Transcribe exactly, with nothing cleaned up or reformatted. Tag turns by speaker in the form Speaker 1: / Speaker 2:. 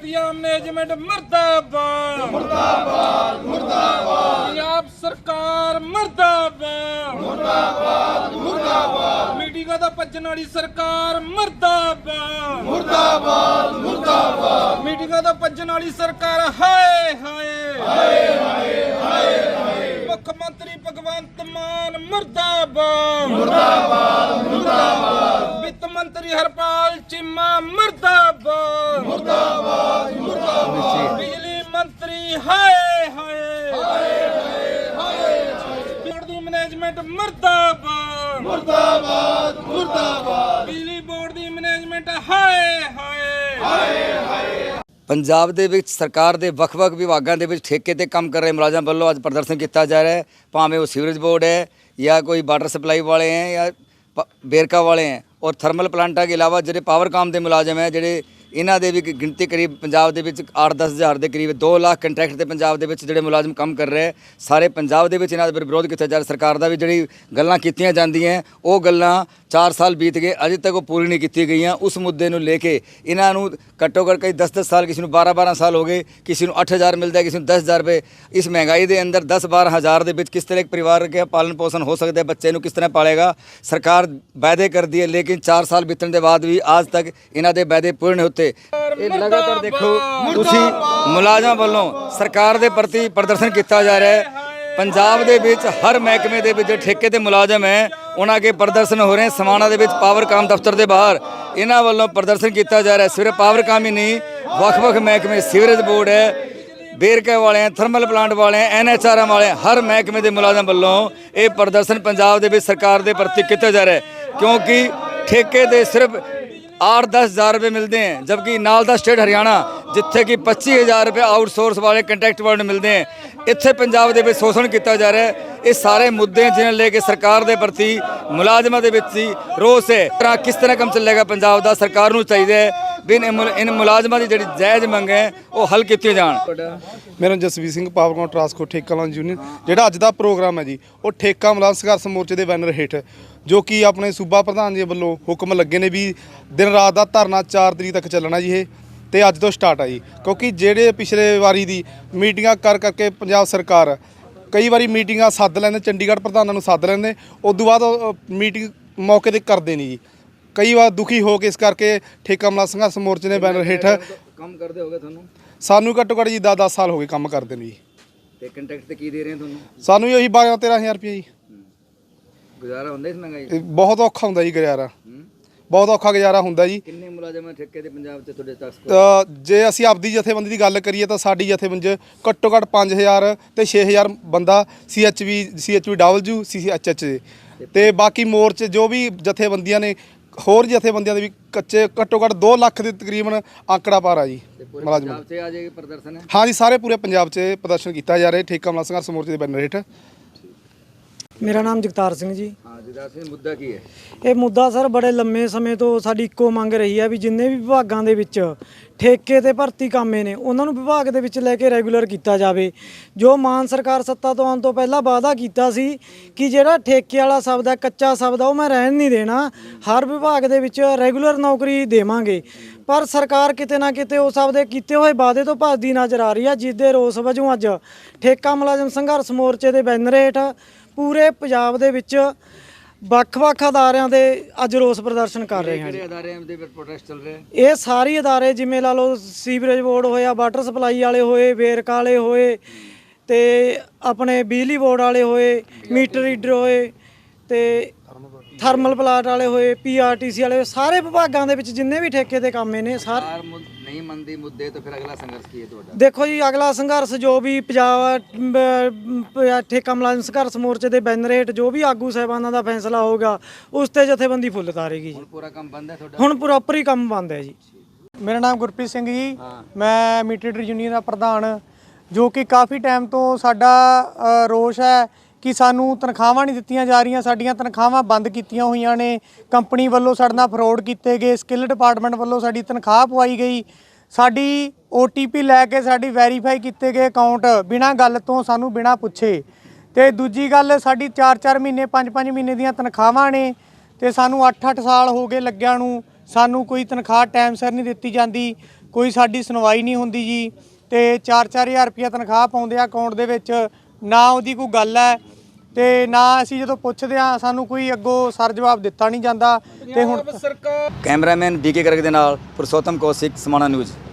Speaker 1: घटिया मैनेजमेंट मुर्दाबाद मुर्दाबाद मुर्दाबाद पंजाब सरकार मुर्दाबाद मुर्दाबाद मुर्दाबाद मीटिंग दा भज्जण वाली सरकार मुर्दाबाद मुर्दाबाद मुर्दाबाद मीटिंग दा भज्जण वाली सरकार हाय हाय हाय हाय हाय मुख्यमंत्री भगवंत मान मुर्दाबाद मुर्दाबाद मुर्दाबाद वित्त मंत्री हरपाल चीमा मुर्दाबाद मुर्दाबाद मुर्दाबाद बिजली मंत्री हाय हाय हाय हाय बोर्ड दी मैनेजमेंट मुर्दाबाद मुर्दाबाद मुर्दाबाद बिजली बोर्ड दी मैनेजमेंट हाय हाय हाय हाय।
Speaker 2: पंजाब ਦੇ ਵਿੱਚ ਸਰਕਾਰ ਦੇ ਵੱਖ-ਵੱਖ ਵਿਭਾਗਾਂ ਦੇ ਵਿੱਚ ਠੇਕੇ ਤੇ ਕੰਮ ਕਰ ਰਹੇ ਮੁਲਾਜ਼ਮ ਵੱਲੋਂ ਅੱਜ ਪ੍ਰਦਰਸ਼ਨ ਕੀਤਾ ਜਾ ਰਿਹਾ ਹੈ, ਭਾਵੇਂ ਉਹ ਸੀਵਰੇਜ ਬੋर्ड है या कोई वाटर सप्लाई वाले हैं या बेरका वाले हैं और थर्मल प्लांटा के अलावा जो पावरकाम के मुलाजम है ਜਿਹੜੇ ਇਹਨਾਂ ਦੇ ਵੀ ਗਿਣਤੀ ਕਰੀਬ ਪੰਜਾਬ ਦੇ ਵਿੱਚ ਅੱਠ ਦਸ ਹਜ਼ਾਰ ਦੇ ਕਰੀਬ ਦੋ ਲੱਖ ਕੰਟਰੈਕਟ ਤੇ ਪੰਜਾਬ ਦੇ ਵਿੱਚ ਜਿਹੜੇ ਮੁਲਾਜ਼ਮ ਕੰਮ ਕਰ ਰਹੇ ਸਾਰੇ ਪੰਜਾਬ ਦੇ ਵਿੱਚ ਇਹਨਾਂ ਦਾ ਵਿਰੋਧ ਕੀਤਾ ਜਾ ਰਿਹਾ। ਸਰਕਾਰ ਦਾ ਵੀ ਜਿਹੜੀ ਗੱਲਾਂ ਕੀਤੀਆਂ ਜਾਂਦੀਆਂ ਉਹ ਗੱਲਾਂ ਚਾਰ ਸਾਲ ਬੀਤ ਗਏ ਅਜੇ ਤੱਕ ਉਹ ਪੂਰੀ ਨਹੀਂ ਕੀਤੀ ਗਈਆਂ। ਉਸ ਮੁੱਦੇ ਨੂੰ ਲੈ ਕੇ ਇਹਨਾਂ ਨੂੰ ਘੱਟੋ ਘੱਟ ਕਈ ਦਸ ਦਸ ਸਾਲ ਕਿਸੇ ਨੂੰ ਬਾਰਾਂ ਬਾਰਾਂ ਸਾਲ ਹੋ ਗਏ, ਕਿਸੇ ਨੂੰ ਅੱਠ ਹਜ਼ਾਰ ਮਿਲਦਾ, ਕਿਸੇ ਨੂੰ ਦਸ ਹਜ਼ਾਰ ਰੁਪਏ। ਇਸ ਮਹਿੰਗਾਈ ਦੇ ਅੰਦਰ ਦਸ ਬਾਰਾਂ ਹਜ਼ਾਰ ਦੇ ਵਿੱਚ ਕਿਸ ਤਰ੍ਹਾਂ ਇੱਕ ਪਰਿਵਾਰ ਕੇ ਪਾਲਣ ਪੋषण ਹੋ ਸਕਦਾ, ਬੱਚੇ ਨੂੰ ਕਿਸ ਤਰ੍ਹਾਂ ਪਾਲੇਗਾ। ਸਰਕਾਰ ਵਾਅਦੇ ਕਰਦੀ ਹੈ ਲੇਕਿਨ ਚਾਰ ਸਾਲ ਬੀਤਣ ਦੇ ਬਾਅਦ ਵੀ ਅੱਜ ਤੱਕ ਇਹਨਾਂ ਦੇ ਵਾਅਦੇ ਪੂਰੇ ਨਹੀਂ ਹੁੰਦੇ। ਇਹ ਲਗਾਤਾਰ ਦੇਖੋ ਤੁਸੀਂ ਮੁਲਾਜ਼ਮਾਂ ਵੱਲੋਂ ਸਰਕਾਰ ਦੇ ਪ੍ਰਤੀ ਪ੍ਰਦਰਸ਼ਨ ਕੀਤਾ ਜਾ ਰਿਹਾ ਹੈ। ਪੰਜਾਬ ਦੇ ਵਿੱਚ ਹਰ ਮਹਿਕਮੇ ਦੇ ਵਿੱਚ ਠੇਕੇ ਤੇ ਮੁਲਾਜ਼ਮ ਹੈ ਉਹਨਾਂ ਕੇ ਪ੍ਰਦਰਸ਼ਨ ਹੋ ਰਹੇ ਸਮਾਣਾ ਦੇ ਵਿੱਚ ਪਾਵਰਕਾਮ ਦਫ਼ਤਰ ਦੇ ਬਾਹਰ ਇਹਨਾਂ ਵੱਲੋਂ ਪ੍ਰਦਰਸ਼ਨ ਕੀਤਾ ਜਾ ਰਿਹਾ। ਸਿਰਫ ਪਾਵਰਕਾਮ ਹੀ ਨਹੀਂ ਵੱਖ-ਵੱਖ ਮਹਿਕਮੇ ਸੀਵਰੇਜ ਬੋਰਡ ਹੈ, बेरके वाले हैं, थर्मल प्लांट वाले हैं, एन एच आर एम वाले हर महकमे के मुलाजम वालों ये प्रदर्शन पंजाब के सरकार के प्रति किया जा रहा है क्योंकि ठेके दे सिर्फ आठ दस हज़ार रुपये मिलते हैं जबकि नाल दा स्टेट हरियाणा जिथे कि पच्ची हज़ार रुपये आउटसोर्स वाले कंट्रैक्ट वाले मिलते हैं। इत्थे पंजाब के शोषण किया जा रहा है। ये सारे मुद्दे जिन्हें लेके सरकार के प्रति मुलाजमान के विच रोस है। किस तरह काम चलेगा पंजाब का, सरकार को चाहिए भी इन मुलाजमान की जी जायज़ मंग है वो हल की जान।
Speaker 3: मेरा जसवीर सिंह पावरकाम ट्रांसपोर्ट ठेका मुलाजम यूनियन ਜਿਹੜਾ ਅੱਜ ਦਾ ਪ੍ਰੋਗਰਾਮ ਹੈ ਜੀ ਉਹ ਠੇਕਾ ਮੁਲਾਜ਼ਮ ਸੰਘਰਸ਼ ਮੋਰਚੇ ਦੇ ਬੈਨਰ ਹੇਠ ਜੋ ਕਿ ਆਪਣੇ ਸੂਬਾ ਪ੍ਰਧਾਨ ਜੀ ਵੱਲੋਂ ਹੁਕਮ ਲੱਗੇ ਨੇ ਵੀ ਦਿਨ ਰਾਤ ਦਾ ਧਰਨਾ ਚਾਰ ਤਰੀਕ ਤੱਕ ਚੱਲਣਾ ਜੀ। ਇਹ ਤੇ ਅੱਜ ਤੋਂ ਸਟਾਰਟ ਆ ਜੀ ਕਿਉਂਕਿ ਜਿਹੜੇ ਪਿਛਲੇ ਵਾਰੀ ਦੀ ਮੀਟਿੰਗਾਂ ਕਰ ਕਰਕੇ ਪੰਜਾਬ ਸਰਕਾਰ ਕਈ ਵਾਰੀ ਮੀਟਿੰਗਾਂ ਸੱਦ ਲੈਂਦੇ, ਚੰਡੀਗੜ੍ਹ ਪ੍ਰਧਾਨਾਂ ਨੂੰ ਸੱਦ ਲੈਂਦੇ, ਉਸ ਤੋਂ ਬਾਅਦ ਮੀਟਿੰਗ ਮੌਕੇ 'ਤੇ ਕਰਦੇ ਨਹੀਂ ਜੀ। ਕਈ ਵਾਰ ਦੁਖੀ ਹੋ ਕੇ ਇਸ ਕਰਕੇ ਠੇਕਾ ਮੁਲਾਜ਼ਮ ਸੰਘਰਸ਼ ਮੋਰਚੇ ਦੇ ਬੈਨਰ ਹੇਠ
Speaker 2: ਕੰਮ ਕਰਦੇ ਹੋਗੇ ਤੁਹਾਨੂੰ
Speaker 3: ਸਾਨੂੰ ਘੱਟੋ ਘੱਟ ਜੀ ਦਸ ਦਸ ਸਾਲ ਹੋ ਗਏ ਕੰਮ ਕਰਦੇ ਨੂੰ ਜੀ।
Speaker 2: ਤੇ ਕੰਟਰੈਕਟ ਤੇ ਕੀ ਦੇ ਰਹੇ ਤੁਹਾਨੂੰ?
Speaker 3: ਸਾਨੂੰ ਵੀ ਉਹੀ ਬਾਰਾਂ ਤੇਰਾਂ ਹਜ਼ਾਰ ਰੁਪਏ ਜੀ।
Speaker 2: ਗੁਜ਼ਾਰਾ ਹੁੰਦਾ ਇਸ ਮਹਿੰਗਾਈ?
Speaker 3: ਬਹੁਤ ਔਖਾ ਹੁੰਦਾ ਜੀ ਗੁਜ਼ਾਰਾ, ਬਹੁਤ ਔਖਾ ਗੁਜ਼ਾਰਾ ਹੁੰਦਾ ਜੀ।
Speaker 2: ਕਿੰਨੇ ਮੁਲਾਜ਼ਮ ਠੇਕੇ ਦੇ ਪੰਜਾਬ 'ਚ ਤੁਹਾਡੇ ਤੱਕ?
Speaker 3: ਜੇ ਅਸੀਂ ਆਪਦੀ ਜਥੇਬੰਦੀ ਦੀ ਗੱਲ ਕਰੀਏ ਤਾਂ ਸਾਡੀ ਜਥੇਬੰਦੀ ਘੱਟੋ ਘੱਟ ਪੰਜ ਹਜ਼ਾਰ ਤੇ ਛੇ ਹਜ਼ਾਰ ਬੰਦਾ C H V C H V W C H H ਦੇ ਤੇ ਬਾਕੀ ਮੋਰਚੇ ਜੋ ਵੀ ਜਥੇਬੰਦੀਆਂ ਨੇ ਹੋਰ ਜਥੇਬੰਦੀਆਂ ਦੇ ਵੀ ਕੱਚੇ ਘੱਟੋ ਘੱਟ ਦੋ ਲੱਖ ਦੇ ਤਕਰੀਬਨ ਆંકੜਾ ਪਾਰ ਆ ਜੀ ਮੁਲਾਜ਼ਮ।
Speaker 2: ਪੰਜਾਬ 'ਚ ਆ ਜੇ ਪ੍ਰਦਰਸ਼ਨ ਹੈ?
Speaker 3: ਹਾਂ ਜੀ ਸਾਰੇ ਪੂਰੇ ਪੰਜਾਬ 'ਚ ਪ੍ਰਦਰਸ਼ਨ ਕੀਤਾ ਜਾ ਰਿਹਾ ਠੇਕਾ ਮੁਲਾਜ਼ਮ ਸੰਘਰਸ਼ ਮੋਰਚੇ ਦੇ ਬੈਨਰ ਹੇਠ।
Speaker 4: मेरा नाम जगतार सिंह जी।
Speaker 2: हाँ जगतार सिंह, मुद्दा की है?
Speaker 4: ਇਹ ਮੁੱਦਾ ਸਰ ਬੜੇ ਲੰਮੇ ਸਮੇਂ ਤੋਂ ਸਾਡੀ ਇੱਕੋ ਮੰਗ ਰਹੀ ਹੈ ਵੀ ਜਿੰਨੇ ਵੀ ਵਿਭਾਗਾਂ ਦੇ ਵਿੱਚ ਠੇਕੇ ਤੇ ਭਰਤੀ ਕਾਮੇ ਨੇ ਉਹਨਾਂ ਨੂੰ ਵਿਭਾਗ ਦੇ ਵਿੱਚ ਲੈ ਕੇ ਰੈਗੂਲਰ ਕੀਤਾ ਜਾਵੇ। ਜੋ ਮਾਨ ਸਰਕਾਰ ਸੱਤਾ ਤੋਂ ਆਉਣ ਤੋਂ ਪਹਿਲਾਂ ਵਾਅਦਾ ਕੀਤਾ ਸੀ ਕਿ ਜਿਹੜਾ ਠੇਕੇ ਵਾਲਾ ਸ਼ਬਦ ਹੈ, ਕੱਚਾ ਸ਼ਬਦ ਆ, ਉਹ ਮੈਂ ਰਹਿਣ ਨਹੀਂ ਦੇਣਾ, ਹਰ ਵਿਭਾਗ ਦੇ ਵਿੱਚ ਰੈਗੂਲਰ ਨੌਕਰੀ ਦੇਵਾਂਗੇ। ਪਰ ਸਰਕਾਰ ਕਿਤੇ ਨਾ ਕਿਤੇ ਉਸ ਆਪਦੇ ਕੀਤੇ ਹੋਏ ਵਾਅਦੇ ਤੋਂ ਭੱਜਦੀ ਨਜ਼ਰ ਆ ਰਹੀ ਹੈ, ਜਿਸ ਦੇ ਰੋਸ ਵਜੋਂ ਅੱਜ ਠੇਕਾ ਮੁਲਾਜ਼ਮ ਸੰਘਰਸ਼ ਮੋਰਚੇ ਦੇ ਬੈਨਰ ਹੇਠ ਪੂਰੇ ਪੰਜਾਬ ਦੇ ਵਿੱਚ ਵੱਖ-ਵੱਖ ਅਦਾਰਿਆਂ ਦੇ ਅੱਜ ਰੋਸ ਪ੍ਰਦਰਸ਼ਨ ਕਰ ਰਹੇ ਹਨ।
Speaker 2: ਕਿਹੜੇ ਅਦਾਰਿਆਂ ਦੇ ਵਿੱਚ ਪ੍ਰੋਟੈਸਟ ਚੱਲ ਰਿਹਾ?
Speaker 4: ਇਹ ਸਾਰੇ ਅਦਾਰੇ ਜਿਵੇਂ ਲਾ ਲਓ ਸੀਵਰੇਜ ਬੋਰਡ ਹੋਇਆ, ਵਾਟਰ ਸਪਲਾਈ ਵਾਲੇ ਹੋਏ, ਵੇਰਕਾ ਵਾਲੇ ਹੋਏ ਤੇ ਆਪਣੇ ਬਿਜਲੀ ਬੋਰਡ ਵਾਲੇ ਹੋਏ, ਮੀਟਰ ਰੀਡਰ ਹੋਏ ਤੇ ਥਰਮਲ ਪਲਾਂਟ ਵਾਲੇ ਹੋਏ, ਪੀ ਆਰ ਟੀ ਸੀ ਵਾਲੇ, ਸਾਰੇ ਵਿਭਾਗਾਂ ਦੇ ਵਿੱਚ ਜਿੰਨੇ ਵੀ ਠੇਕੇ ਦੇ ਕਾਮੇ ਨੇ ਸਾਰੇ
Speaker 2: ਨਹੀਂ ਮੰਨਦੀ ਮੁੱਦੇ ਤਾਂ ਫਿਰ ਅਗਲਾ ਸੰਘਰਸ਼ ਕੀ ਹੈ ਤੁਹਾਡਾ?
Speaker 4: ਦੇਖੋ ਜੀ ਅਗਲਾ ਸੰਘਰਸ਼ ਜੋ ਵੀ ਪੰਜਾਬ ਠੇਕਾ ਮੁਲਾਜ਼ਮ ਸੰਘਰਸ਼ ਮੋਰਚੇ ਦੇ ਬੈਨਰ ਹੇਠ ਜੋ ਵੀ ਆਗੂ ਸਾਹਿਬਾਨਾਂ ਦਾ ਫੈਸਲਾ ਹੋਊਗਾ ਉਸ ਤੇ ਜਥੇਬੰਦੀ ਫੁੱਲ ਤਾਰੇਗੀ।
Speaker 2: ਹੁਣ ਪੂਰਾ ਕੰਮ ਬੰਦ ਹੈ ਤੁਹਾਡਾ? ਹੁਣ
Speaker 4: ਪ੍ਰੋਪਰ ਹੀ ਕੰਮ ਬੰਦ ਹੈ ਜੀ।
Speaker 5: ਮੇਰਾ ਨਾਮ ਗੁਰਪ੍ਰੀਤ ਸਿੰਘ ਜੀ, ਮੈਂ ਮੀਟਰ ਰੀਡਰ ਯੂਨੀਅਨ ਦਾ ਪ੍ਰਧਾਨ, ਜੋ ਕਿ ਕਾਫੀ ਟਾਈਮ ਤੋਂ ਸਾਡਾ ਰੋਸ਼ ਹੈ ਕਿ ਸਾਨੂੰ ਤਨਖਾਹਾਂ ਨਹੀਂ ਦਿੱਤੀਆਂ ਜਾ ਰਹੀਆਂ। ਸਾਡੀਆਂ ਤਨਖਾਹਾਂ ਬੰਦ ਕੀਤੀਆਂ ਹੋਈਆਂ ਨੇ, ਕੰਪਨੀ ਵੱਲੋਂ ਸਾਡੇ ਨਾਲ ਫਰੋਡ ਕੀਤੇ ਗਏ, ਸਕਿੱਲ ਡਿਪਾਰਟਮੈਂਟ ਵੱਲੋਂ ਸਾਡੀ ਤਨਖਾਹ ਪਵਾਈ ਗਈ, ਸਾਡੀ ਓ ਟੀ ਪੀ ਲੈ ਕੇ ਸਾਡੀ ਵੈਰੀਫਾਈ ਕੀਤੇ ਗਏ ਅਕਾਊਂਟ ਬਿਨਾਂ ਗੱਲ ਤੋਂ ਸਾਨੂੰ ਬਿਨਾਂ ਪੁੱਛੇ। ਤੇ ਦੂਜੀ ਗੱਲ ਸਾਡੀ ਚਾਰ ਚਾਰ ਮਹੀਨੇ ਪੰਜ ਪੰਜ ਮਹੀਨੇ ਦੀਆਂ ਤਨਖਾਹਾਂ ਨੇ ਤੇ ਸਾਨੂੰ ਅੱਠ ਅੱਠ ਸਾਲ ਹੋ ਗਏ ਲੱਗਿਆਂ ਨੂੰ, ਸਾਨੂੰ ਕੋਈ ਤਨਖਾਹ ਟਾਈਮ ਸਿਰ ਨਹੀਂ ਦਿੱਤੀ ਜਾਂਦੀ। ਕੋਈ ਸਾਡੀ ਸੁਣਵਾਈ ਨਹੀਂ ਹੁੰਦੀ ਜੀ ਤੇ ਚਾਰ ਚਾਰ ਹਜ਼ਾਰ ਰੁਪਇਆ ਤਨਖਾਹ ਪਾਉਂਦੇ ਆ ਅਕਾਊਂਟ ਦੇ ਵਿੱਚ, ਨਾ ਉਹਦੀ ਕੋਈ ਗੱਲ ਹੈ ਤੇ ਨਾ ਅਸੀਂ ਜਦੋਂ ਪੁੱਛਦੇ ਆ ਸਾਨੂੰ ਕੋਈ ਅੱਗੋਂ ਸਰ ਜਵਾਬ ਦਿੱਤਾ ਨਹੀਂ ਜਾਂਦਾ। ਤੇ ਹੁਣ
Speaker 1: ਸਰਕਾਰ
Speaker 2: ਕੈਮਰਾਮੈਨ ਬੀਕੇ ਕਰਕ ਦੇ ਨਾਲ ਪੁਰਸ਼ੋਤਮ ਕੌਸ਼ਿਕ, ਸਮਾਣਾ ਨਿਊਜ਼।